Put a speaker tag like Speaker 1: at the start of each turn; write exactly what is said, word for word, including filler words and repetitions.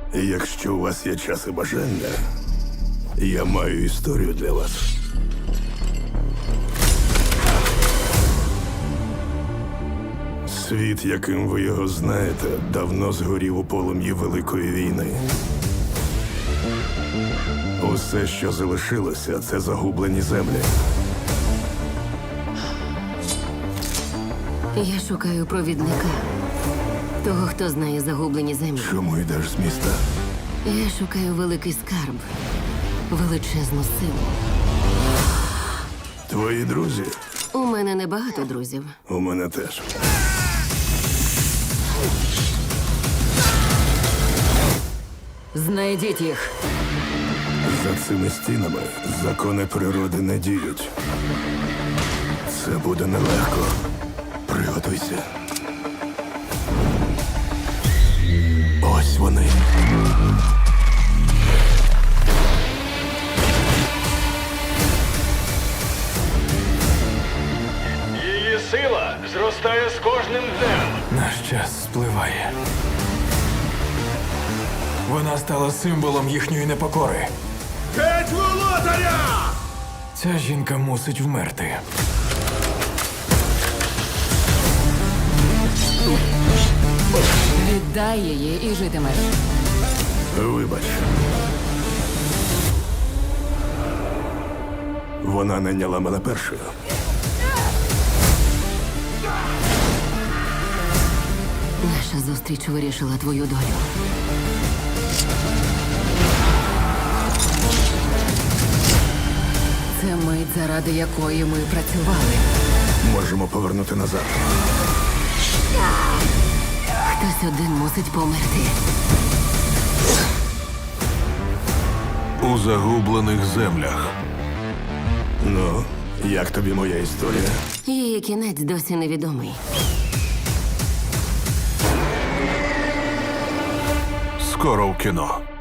Speaker 1: Якщо у вас є час і бажання, я маю історію для вас. Світ, яким ви його знаєте, давно згорів у полум'ї Великої війни. Усе, що залишилося, це загублені землі.
Speaker 2: Я шукаю провідника. Того, хто знає загублені землі.
Speaker 1: Чому йдеш з міста?
Speaker 2: Я шукаю великий скарб. Величезну силу.
Speaker 1: Твої друзі?
Speaker 2: У мене небагато друзів.
Speaker 1: У мене теж.
Speaker 2: Знайдіть їх.
Speaker 1: За цими стінами закони природи не діють. Це буде нелегко. Приготуйся. Ось вони.
Speaker 3: Її сила зростає з кожним днем.
Speaker 4: Наш час спливає. Вона стала символом їхньої непокори.
Speaker 1: Геть володаря!
Speaker 4: Ця жінка мусить вмерти.
Speaker 2: Віддай її і житимеш.
Speaker 1: Вибач. Вона найняла мене першою.
Speaker 2: Наша зустріч вирішила твою долю. Це мить, заради якої ми працювали.
Speaker 1: Можемо повернути назад.
Speaker 2: Хтось один мусить померти.
Speaker 1: У загублених землях. Ну, як тобі моя історія?
Speaker 2: Її кінець досі невідомий.
Speaker 1: Скоро в кіно.